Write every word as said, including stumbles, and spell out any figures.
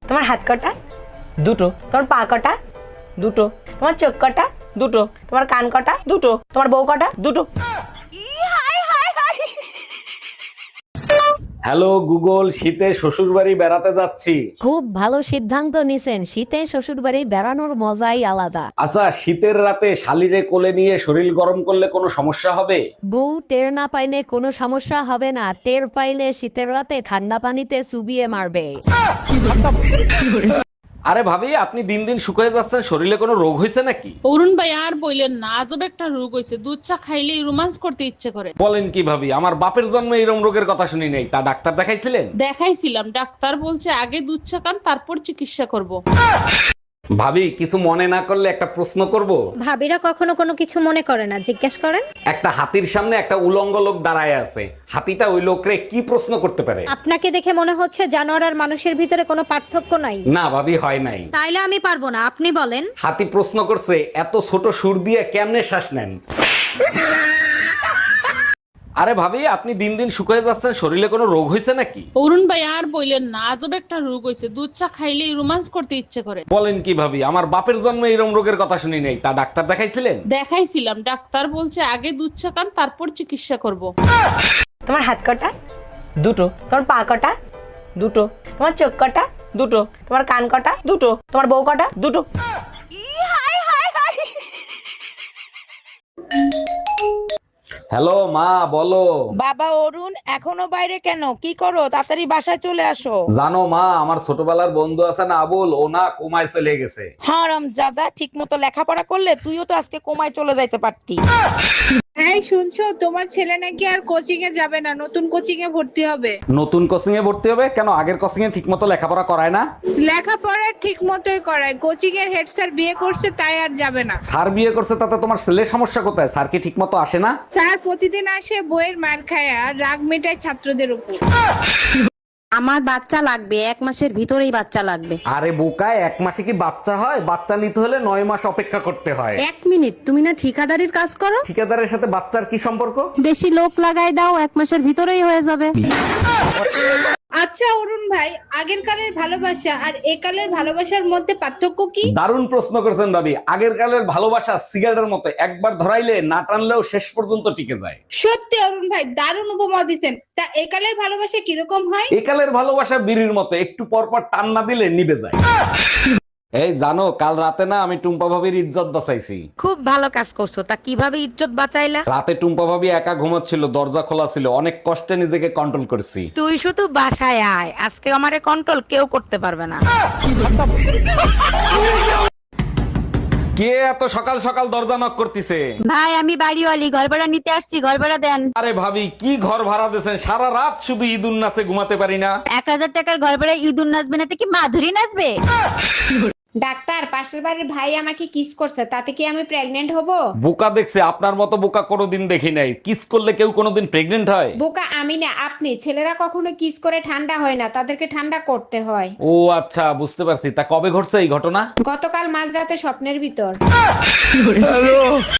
তোমার হাত কটা? দুটো। তোমার পা কটা? দুটো। তোমার চোখ কটা? দুটো। তোমার কান কটা? দুটো। তোমার বউ কটা? দুটো। হ্যালো গুগল, শীতে শ্বশুর বাড়ি বেড়াতে যাচ্ছি। খুব ভালো সিদ্ধান্ত নিছেন। শীতে শ্বশুর বাড়ি বেড়ানোর মজাই আলাদা। আচ্ছা, শীতের রাতে শালিরে কোলে নিয়ে শরীর গরম করলে কোনো সমস্যা হবে? বউ টের না পাইলে কোনো সমস্যা হবে না, টের পাইলে শীতের রাতে ঠান্ডা পানিতে চুবিয়ে মারবে। আরে ভাবি, আপনি দিন দিন শুকিয়ে যাচ্ছেন, শরীরে কোনো রোগ হয়েছে নাকি? অরুণ ভাই আর বললেন না, আজব একটা রোগ হয়েছে। দুধ চা খাইলেই রোমান্স করতে ইচ্ছে করে। বলেন কি ভাবি, আমার বাপের জন্মে এরকম রোগের কথা শুনি নাই। তা ডাক্তার দেখাইছিলেন? দেখাইছিলাম, ডাক্তার বলছে আগে দুধ চা খান, তারপর চিকিৎসা করব। ভাবি, কিছু মনে না করলে একটা প্রশ্ন করব। ভাবিরা কখনো কোনো কিছু মনে করে না, জিজ্ঞেস করেন। একটা হাতির সামনে একটা উলঙ্গ লোক দাঁড়ায় আছে, হাতিটা ওই লোকরে কি প্রশ্ন করতে পারে? আপনাকে দেখে মনে হচ্ছে জানোয়ার আর মানুষের ভিতরে কোনো পার্থক্য নাই। না ভাবি, হয় নাই। তাইলে আমি পারবো না, আপনি বলেন। হাতি প্রশ্ন করছে, এত ছোট সুর দিয়ে কেমনে শ্বাস নেন? আরে ভাবি, আপনি দিন দিন শুকিয়ে যাচ্ছেন, শরীরে কোনো রোগ হয়েছে নাকি? অরুণ ভাই আর বললেন না, আজব একটা রোগ হয়েছে। দুধ চা খাইলেই রোমান্স করতে ইচ্ছে করে। বলেন কি ভাবি, আমার বাপের জন্মে এরকম রোগের কথা শুনি নাই। তা ডাক্তার দেখাইছিলেন? দেখাইছিলাম, ডাক্তার বলছে আগে দুধ চা খান, তারপর চিকিৎসা করব। তোমার হাত কটা? দুটো। তোমার পা কটা? দুটো। তোমার চোখ কটা? দুটো। তোমার কান কটা? দুটো। তোমার বউ কটা? দুটো। হ্যালো মা, বলো। বাবা অরুণ, এখনো বাইরে কেন? কি করো? তাড়াতাড়ি বাসায় চলে আসো। জানো মা, আমার ছোটবেলার বন্ধু আছে না আবুল, ও না কোমায় চলে গেছে। হারাম জাদা, ঠিক মতো লেখাপড়া করলে তুইও তো আজকে কোমায় চলে যাইতে পারতি। এই শুনছো, তোমার ছেলে নাকি আর কোচিং এ যাবে না, নতুন কোচিং এ ভর্তি হবে। নতুন কোচিং এ ভর্তি হবে কেন? আগের কোচিং এ ঠিক মতো লেখাপড়া করায় না? লেখাপড়া ঠিক মতোই করায়, কোচিং এর হেড স্যার বিয়ে করছে তাই আর যাবে না। স্যার বিয়ে করছে তাতে তোমার ছেলের সমস্যা কোথায়? স্যার কি ঠিক মতো আসে না? স্যার প্রতিদিন আসে বইয়ের মার খায় আর রাগ মেটায় ছাত্রদের উপর। আমার বাচ্চা লাগবে, এক মাসের ভিতরেই বাচ্চা লাগবে। আরে বোকায়, এক মাসে কি বাচ্চা হয়? বাচ্চা নিতে হলে নয় মাস অপেক্ষা করতে হয়। এক মিনিট, তুমি না ঠিকাদারির কাজ করো? ঠিকাদারের সাথে বাচ্চার কি সম্পর্ক? বেশি লোক লাগাই দাও, এক মাসের ভিতরেই হয়ে যাবে। আচ্ছা অরুণ ভাই, আগের কালের ভালোবাসা আর একালের ভালোবাসার মধ্যে পার্থক্য কি? দারুণ প্রশ্ন করেছেন ভাবি। আগের কালের ভালোবাসা সিগারেটের মতো, একবার ধরাইলে না টানলেও শেষ পর্যন্ত টিকে যায়। সত্যি অরুণ ভাই, দারুণ উপমা দিছেন। তা একালের ভালোবাসা কিরকম হয়? একালের ভালোবাসা বিড়ির মতো, একটু পর পর টান না দিলে নিভে যায়। এই জানো, কাল রাতে না আমি টুম্পা ভাবির ইজ্জত বাঁচাইছি। খুব ভালো কাজ করছো। তা কিভাবে ইজ্জত বাঁচাইলা? রাতে টুম্পা ভাবি একা ঘুমাচ্ছিল, দরজা খোলা ছিল, অনেক কষ্টে নিজেকে কন্ট্রোল করছি। তুই শুধু বাসায় আয়, আজকে আমারে কন্ট্রোল কেউ করতে পারবে না। কে এত সকাল সকাল দরজা নক করতেছে? ভাই আমি বাড়িওয়ালি, ঘর ভাড়া নিতে আসছি, ঘর ভাড়া দেন। আরে ভাবি, কি ঘর ভাড়া দিয়েছেন? সারা রাত শুধু ঈদুন নাচে ঘুমাতে পারি না। এক হাজার টাকার ঘর ভাড়া ইঁদুর নাচবে না তো কি মাধুরী নাচবে? ডাক্তার, পাশের বাড়ির ভাই আমাকে কিস করছে, তাতে কি আমি প্রেগনেন্ট হব? বোকা দেখছে, আপনার মতো বোকা কোনোদিন দেখি নাই। কিস করলে কেউ কোনোদিন প্রেগনেন্ট হয়? বোকা আমি না, আপনি। ছেলেরা কখনো কিস করে ঠান্ডা হয় না, তাদেরকে ঠান্ডা করতে হয়। ও আচ্ছা, বুঝতে পারছি। তা কবে ঘটছে এই ঘটনা? গতকাল মাঝরাতে স্বপ্নের ভিতর।